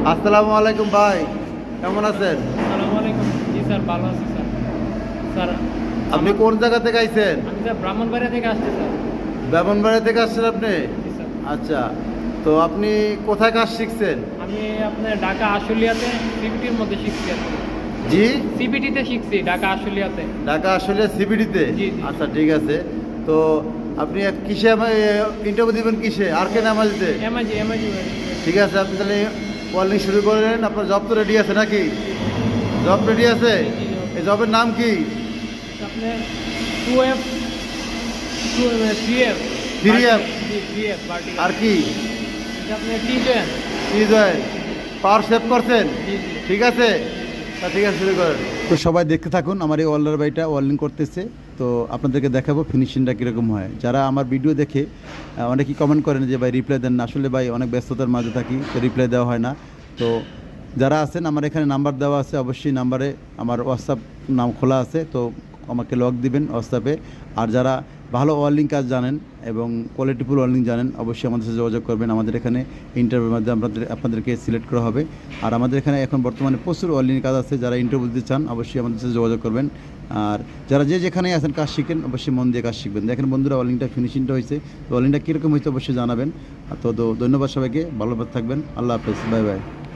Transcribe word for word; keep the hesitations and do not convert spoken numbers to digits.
আসসালামু আলাইকুম ভাই, কেমন আছেন? আসসালামু আলাইকুম। জি স্যার, ভালো আছি স্যার। স্যার আপনি আমার- কোন জায়গা থেকে আইছেন? আমি স্যার ব্রাহ্মণবাড়িয়া থেকে আসছি স্যার। ব্রাহ্মণবাড়িয়া থেকে আসছেন আপনি? জি স্যার। আচ্ছা, তো আপনি কোথায় কাজ শিখছেন? আমি আপনার ঢাকা আশুলিয়াতে সিবিটির মধ্যে শিখছি আর কি। জি, সিবিটিতে শিখছি ঢাকা আশুলিয়াতে। ঢাকা আসলে সিবিডিতে? জি, জি। আচ্ছা, ঠিক আছে। তো আপনি এক- কিসে ইন্টারভিউ দিবেন, কিসে আর কে নামাজিতে? MiG MiG. ঠিক আছে, আপনি তাহলে কলিং শুরু করেন। আপনার জব তো রেডি আছে নাকি? জব রেডি আছে? এই জবের নাম কি? আপনার two F two three F three F? জি থ্রি এফ বার্টি। আর কি? আপনার টি জেন। কি জয়েন? পাওয়ার সেভ করছেন? জি জি। ঠিক আছে, তা ঠিক আছে, শুরু করেন। তো সবাই দেখতে থাকুন, আমার এই ওয়েল্ডার বাইটা ওয়েল্ডিং করতেছে। তো আপনাদেরকে দেখাবো ফিনিশিংটা কীরকম হয়। যারা আমার ভিডিও দেখে আহ, অনেকেই কমেন্ট করেন যে ভাই রিপ্লাই দেন না। আসলে ভাই অনেক ব্যস্ততার মাঝে থাকি, তো রিপ্লাই দেওয়া হয় না। তো যারা আছেন, আমার এখানে নাম্বার দেওয়া আছে, অবশ্যই নাম্বারে আমার হোয়াটসঅ্যাপ নাম খোলা আছে, তো আমাকে লক দিবেন হোয়াটসঅ্যাপে। আর যারা ভালো ওয়েল্ডিং কাজ জানেন এবং কোয়ালিটিফুল ওয়েল্ডিং জানেন, অবশ্যই আমাদের সাথে যোগাযোগ করবেন। আমাদের এখানে ইন্টারভিউর মাধ্যমে আপনাদের আপনাদেরকে সিলেক্ট করা হবে। আর আমাদের এখানে এখন বর্তমানে প্রচুর ওয়েল্ডিং কাজ আছে, যারা ইন্টারভিউ দিতে চান অবশ্যই আমাদের সাথে যোগাযোগ করবেন। আর যারা যে যেখানেই আছেন কাজ শিখেন, অবশ্যই মন দিয়ে কাজ শিখবেন। দেখেন বন্ধুরা, ওয়েল্ডিংটা ফিনিশিংটা হয়েছে, তো ওয়েল্ডিংটা কীরকম হয়েছে অবশ্যই জানাবেন। তো ধন্যবাদ সবাইকে, ভালো থাকবেন, আল্লাহ হাফেজ, বাই বাই।